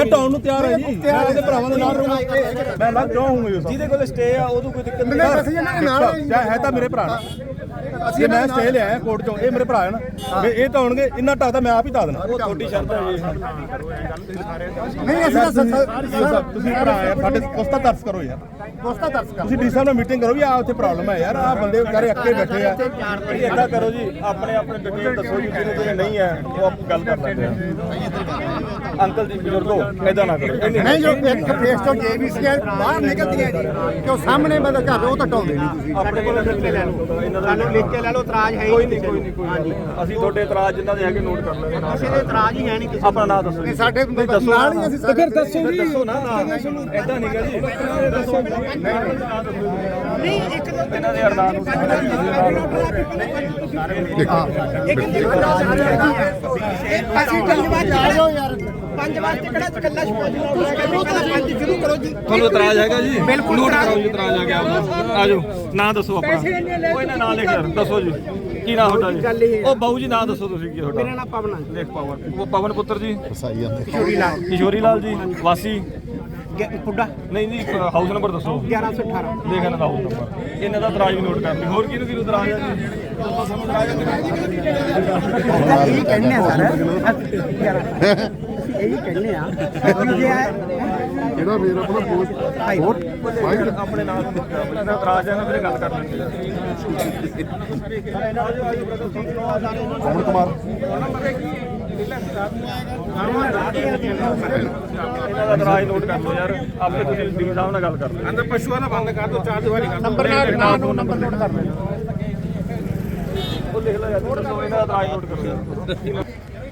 ਢਾਉਣ ਨੂੰ ਤਿਆਰ ਹੈ ਜੀ ਮੈਂ ਉਹਦੇ ਭਰਾਵਾਂ ਦੇ ਨਾਲ ਰਹੂੰਗਾ ਮੈਂ ਲੱਗ ਜਾਊਂਗਾ ਜਿਹਦੇ ਕੋਲ ਸਟੇ ਆ ਉਦੋਂ ਕੋਈ ਦਿੱਕਤ ਨਹੀਂ ਹੈ ਤਾਂ ਮੇਰੇ ਭਰਾ ਨਾ ਅਸੀਂ ਮੈਂ ਸਟੇ ਲਿਆ ਕੋਰਟ ਚੋਂ ਇਹ ਮੇਰੇ ਭਰਾ ਹੈ ਨਾ ਇਹ ਤਾਂ ਹੋਣਗੇ ਇੰਨਾ ਢਾਦਾ ਮੈਂ ਆਪ ਹੀ ਢਾ ਦੇਣਾ ਉਹ ਤੁਹਾਡੀ ਸ਼ਰਤ ਹੈ ਜੀ ਨਹੀਂ ਅਸੀਂ ਤੁਸੀਂ ਭਰਾ ਆ ਸਾਡੇ ਕੋਸਤਾ ਤਰਸ ਕਰੋ ਯਾਰ ਕੋਸਤਾ ਤਰਸ ਕਰੋ ਤੁਸੀਂ ਡੀ ਸਾਹਿਬ ਨਾਲ ਮੀਟਿੰਗ ਕਰੋ ਵੀ ਆ ਉੱਥੇ ਪ੍ਰੋਬਲਮ ਹੈ ਯਾਰ ਆ ਬੰਦੇ ਵਿਚਾਰੇ ਅੱਕੇ ਬੈਠੇ ਆ ਏਦਾਂ ਕਰੋ ਜੀ ਆਪਣੇ ਆਪਣੇ ਡਿਟੇਲ ਦੱਸੋ ਜੀ ਜਿਹਨੇ ਨਹੀਂ ਹੈ ਉਹ ਆਪ ਗੱਲ ਕਰ ਸਕਦੇ ਆ ਅੰਕਲ ਜੀ ਬਜ਼ੁਰਗੋ ਏਦਾਂ ਨਾ ਕਰੋ ਨਹੀਂ ਜੋ ਇੱਕ ਫੇਸ ਤੋਂ ਜੇਬੀਸੀ ਬਾਹਰ ਨਿਕਲਦੀਆਂ ਜੀ ਕਿ ਉਹ ਸਾਹਮਣੇ ਬੰਦਾ ਘਰ ਉਹ ਤਾਂ ਢਾਉਂਦੇ ਨਹੀਂ ਤੁਸੀਂ ਆਪਣੇ ਕੋਲ ਲਿਖ ਕੇ ਲੈ ਲਓ ਸਾਨੂੰ ਲਿਖ ਕੇ ਲੈ ਲਓ ਇਤਰਾਜ਼ ਹੈ ਕੋਈ ਨਹੀਂ ਹਾਂਜੀ ਅਸੀਂ ਤੁਹਾਡੇ ਇਤਰਾਜ਼ ਜਿੰਨਾਂ ਦੇ ਹੈਗੇ ਨੋਟ ਕਰ ਲੈਣੇ ਕਿਸੇ ਦੇ ਇਤਰਾਜ਼ ਹੀ ਹੈ ਨਹੀਂ ਕਿਸੇ ਆਪਣਾ ਨਾਮ ਦੱਸੋ ਸਾਡੇ ਨਾਲ ਹੀ ਅਸੀਂ ਫਿਰ ਦੱਸੋ ਜੀ ਦੱਸੋ ਨਾ ਏਦਾਂ ਨਹੀਂ ਗਾ ਜੀ ਦੱਸੋ ਨਹੀਂ ਇੱਕ ਇਹਨਾਂ ਦੇ ਅਰਦਾਸ ਅਸੀਂ ਧੰਨਵਾਦ ਆਜੋ ਯਾਰ 5 ਵਾਸਤੇ ਕਿਹੜਾ ਇਕੱਲਾ ਪੰਜ ਸ਼ੁਰੂ ਕਰੋ ਜੀ ਤੁਹਾਨੂੰ ਇਤਰਾਜ਼ ਹੈਗਾ ਜੀ ਬਿਲਕੁਲ ਨੋਟ ਕਰੋ ਜੀ ਇਤਰਾਜ਼ ਆ ਗਿਆ ਆਜੋ ਨਾਂ ਦੱਸੋ ਆਪਣਾ ਕੋਈ ਨਾ ਨਾਂ ਲਿਖ ਯਾਰ ਦੱਸੋ ਜੀ ਕੀ ਨਾਂ ਤੁਹਾਡਾ ਜੀ ਉਹ ਬਾਊ ਜੀ ਨਾਂ ਦੱਸੋ ਤੁਸੀਂ ਕੀ ਤੁਹਾਡਾ ਮੇਰਾ ਨਾਮ ਪਵਨ ਲਿਖ ਪਵਨ ਉਹ ਪਵਨ ਪੁੱਤਰ ਜੀ ਕਿਸ਼ੋਰੀ ਲਾਲ ਜੀ ਵਾਸੀ ਪੁੱਡਾ ਨਹੀਂ ਜੀ ਹਾਊਸ ਨੰਬਰ ਦੱਸੋ 1118 ਦੇਖ ਇਹਨਾਂ ਦਾ ਹਾਊਸ ਨੰਬਰ ਇਹਨਾਂ ਦਾ ਇਤਰਾਜ਼ ਵੀ ਨੋਟ ਕਰ ਲਈ ਹੋਰ ਕਿਹਨੂੰ ਇਤਰਾਜ਼ ਹੈ ਜੀ ਇਹੀ ਕਹਿੰਦੇ ਆ ਸਰ ਇਹੀ ਕਹਿੰਦੇ ਆ ਜਿਹੜਾ ਮੇਰਾ ਆਪਣਾ ਪੋਸਟ ਆਪਣੇ ਨਾਲ ਆਪਣਾ ਇਤਰਾਜ਼ ਹੈ ਨਾ ਫਿਰ ਗੱਲ ਕਰ ਲੈਂਦੇ ਪਵਨ ਕੁਮਾਰ ਇਹਨਾਂ ਦਾ ਇਤਰਾਜ਼ ਨੋਟ ਕਰ ਲਓ ਯਾਰ ਆਪੇ ਤੁਸੀਂ ਡੀ ਸਾਹਿਬ ਨਾਲ ਗੱਲ ਕਰ ਲਓ ਅੰਦਰ ਪਸ਼ੂਆਂ ਦਾ ਬੰਦ ਕਰ ਦਿਓ ਚਾਰ ਦੀਵਾਰੀ ਕਰ ਨੰਬਰ ਨੋਟ ਕਰ ਲੈਣਾ ਉਹ ਲਿਖ ਲਓ ਯਾਰ ਦੱਸੋ ਇਹਨਾਂ ਦਾ ਇਤਰਾਜ਼ ਨੋਟ ਕਰੋ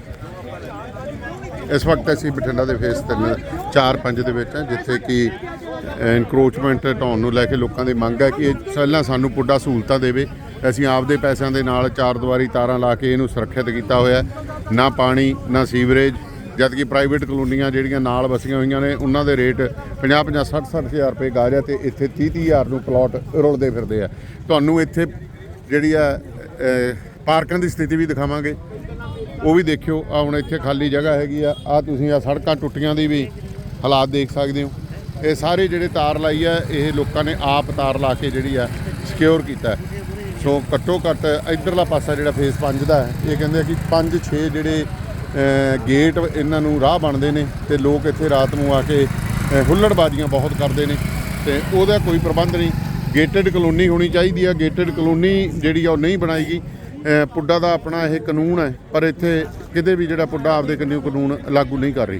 ਇਸ ਵਕਤ ਅਸੀਂ ਬਠਿੰਡਾ ਦੇ ਫੇਸ 4-5 ਦੇ ਵਿੱਚ ਹਾਂ ਜਿੱਥੇ ਕਿ ਇਨਕਰੋਚਮੈਂਟ ਢਾਉਣ ਨੂੰ ਲੈ ਕੇ ਲੋਕਾਂ ਦੀ ਮੰਗ ਹੈ ਕਿ ਇਹ ਪਹਿਲਾਂ ਸਾਨੂੰ ਪੁੱਡਾ ਸਹੂਲਤਾਂ ਦੇਵੇ ਅਸੀਂ ਆਪਦੇ ਪੈਸਿਆਂ ਦੇ ਨਾਲ ਚਾਰ ਦੀਵਾਰੀ ਤਾਰਾਂ ਲਾ ਕੇ ਇਹਨੂੰ ਸੁਰੱਖਿਅਤ ਕੀਤਾ ਹੋਇਆ ਨਾ ਪਾਣੀ ਨਾ ਸੀਵਰੇਜ ਜਦਕਿ ਪ੍ਰਾਈਵੇਟ ਕਲੋਨੀਆਂ ਜਿਹੜੀਆਂ ਨਾਲ ਵਸੀਆਂ ਹੋਈਆਂ ਨੇ ਉਹਨਾਂ ਦੇ ਰੇਟ 50-50 60-60 ਹਜ਼ਾਰ ਰੁਪਏ ਗਾਜ ਹੈ ਤੇ ਇੱਥੇ 30-30 ਹਜ਼ਾਰ ਨੂੰ ਪਲਾਟ ਰੁਲਦੇ ਫਿਰਦੇ ਆ ਤੁਹਾਨੂੰ ਇੱਥੇ ਜਿਹੜੀ ਆ ਪਾਰਕਾਂ ਦੀ ਸਥਿਤੀ ਵੀ ਦਿਖਾਵਾਂਗੇ ਉਹ ਵੀ ਦੇਖਿਓ ਆ ਹੁਣ ਇੱਥੇ ਖਾਲੀ ਜਗ੍ਹਾ ਹੈਗੀ ਆ ਤੁਸੀਂ ਆ ਸੜਕਾਂ ਟੁੱਟੀਆਂ ਦੀ ਵੀ ਹਾਲਾਤ ਦੇਖ ਸਕਦੇ ਹੋ ਇਹ ਸਾਰੇ ਜਿਹੜੇ ਤਾਰ ਲਾਈ ਆ ਇਹ ਲੋਕਾਂ ਨੇ ਆਪ ਤਾਰ ਲਾ ਕੇ ਜਿਹੜੀ ਆ ਸਿਕਿਉਰ ਕੀਤਾ ਸੋ ਘੱਟੋ ਘੱਟ ਇੱਧਰਲਾ ਪਾਸਾ ਜਿਹੜਾ ਫੇਸ 5 ਦਾ ਹੈ ਇਹ ਕਹਿੰਦੇ ਆ ਕਿ 5-6 ਜਿਹੜੇ ਗੇਟ ਇਹਨਾਂ ਨੂੰ ਰਾਹ ਬਣਦੇ ਨੇ ਤੇ ਲੋਕ ਇੱਥੇ ਰਾਤ ਨੂੰ ਆ ਕੇ ਹੁੱਲੜਬਾਜ਼ੀਆਂ ਬਹੁਤ ਕਰਦੇ ਨੇ ਤੇ ਉਹਦਾ ਕੋਈ ਪ੍ਰਬੰਧ ਨਹੀਂ ਗੇਟਡ ਕਲੋਨੀ ਹੋਣੀ ਚਾਹੀਦੀ ਆ ਗੇਟਡ ਕਲੋਨੀ ਜਿਹੜੀ ਆ ਉਹ ਨਹੀਂ ਬਣਾਈ ਗਈ ਪੁੱਡਾ ਦਾ ਆਪਣਾ ਇਹ ਕਾਨੂੰਨ ਹੈ ਪਰ ਇੱਥੇ ਕਿਤੇ ਵੀ ਜਿਹੜਾ ਪੁੱਡਾ ਆਪਦੇ ਕਾਨੂੰਨ ਲਾਗੂ ਨਹੀਂ ਕਰ ਰਹੀ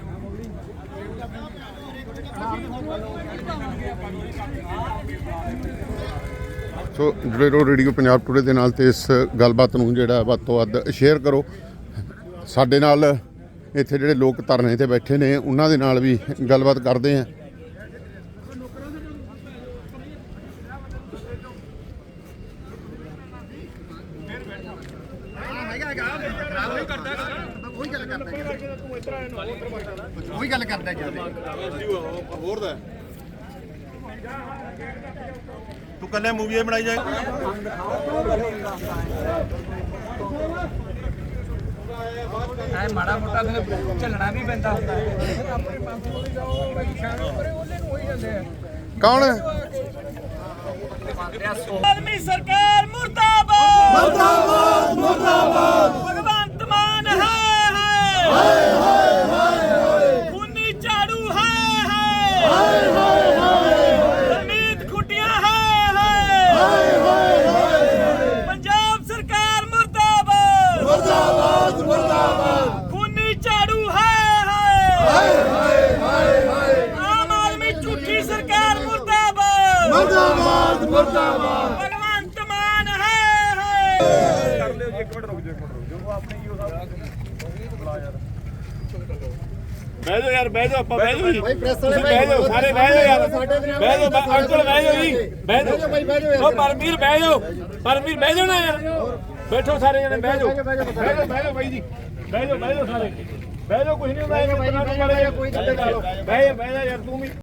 ਸੋ ਜੁੜੇ ਰਹੋ ਰੇਡੀਓ ਪੰਜਾਬ ਟੂਡੇ ਦੇ ਨਾਲ ਤੇ ਇਸ ਗੱਲਬਾਤ ਨੂੰ ਜਿਹੜਾ ਵੱਧ ਤੋਂ ਵੱਧ ਸ਼ੇਅਰ ਕਰੋ ਸਾਡੇ ਨਾਲ ਇੱਥੇ ਜਿਹੜੇ ਲੋਕ ਧਰਨੇ ਤੇ ਬੈਠੇ ਨੇ ਉਹਨਾਂ ਦੇ ਨਾਲ ਵੀ ਗੱਲਬਾਤ ਕਰਦੇ ਆ ਉਹੀ ਗੱਲ ਕਰਦਾ ਜਿਆਦਾ ਹੋਰ ਦਾ ਤੂੰ ਕੱਲੇ ਮੂਵੀ ਬਣਾਈ ਜਾਏ ਐ ਮਾੜਾ ਮੋਟਾ ਝੱਲਣਾ ਵੀ ਪੈਂਦਾ ਹੁੰਦਾ ਕੌਣ ਆਦਮੀ ਸਰਕਾਰ ਮੁਰਦਾਬਾਦ ਮੁਰਦਾਬਾਦ ਮੁਰਦਾਬਾਦ ਭਗਵੰਤ ਮਾਨ ਹਾਏ ਖੂਨੀ ਝਾੜੂ ਹਾਏ ਹਰਮੀਤ ਖੁੱਟੀਆਂ ਹਾਏ ਪੰਜਾਬ ਸਰਕਾਰ ਮੁਰਦਾਬਾਦ ਮੁਰਦਾਬਾਦ ਖੂਨੀ ਝਾੜੂ ਹਾਏ ਆਮ ਆਦਮੀ ਝੂਠੀ ਸਰਕਾਰ ਮੁਰਦਾਬਾਦ ਭਗਵੰਤ ਮਾਨ ਹਾਏ ਕਰ ਲਿਓ ਜੀ ਇੱਕ ਮਿੰਟ ਰੁਕ ਜਾਓ ਆਪਣੇ ਕੀ ਹੋ ਸਕਦਾ ਬਹਿ ਜਾਓ ਯਾਰ ਬਹਿ ਜਾਓ ਆਪਾਂ ਬਹਿ ਜਾਓ ਜੀ ਤੁਸੀਂ ਬਹਿ ਜਾਓ ਸਾਰੇ ਬਹਿ ਜਾਓ ਯਾਰ ਬਹਿ ਜਾਓ ਅੰਕਲ ਬਹਿ ਜਾਓ ਜੀ ਬਹਿ ਜਾਓ ਉਹ ਪਰਮਵੀਰ ਬਹਿ ਜਾਓ ਬਹਿ ਜਾਓ ਨਾ ਯਾਰ ਬੈਠੋ ਸਾਰੇ ਜਣੇ ਬਹਿ ਜਾਓ ਬਾਈ ਜੀ ਬਹਿ ਜਾਓ ਸਾਰੇ ਬਹਿ ਜਾਓ ਕੁਝ ਨਹੀਂ ਹੁੰਦਾ ਕੋਈ ਗੱਲ ਨਹੀਂ ਬਹਿ ਜਾ ਯਾਰ ਤੂੰ ਵੀ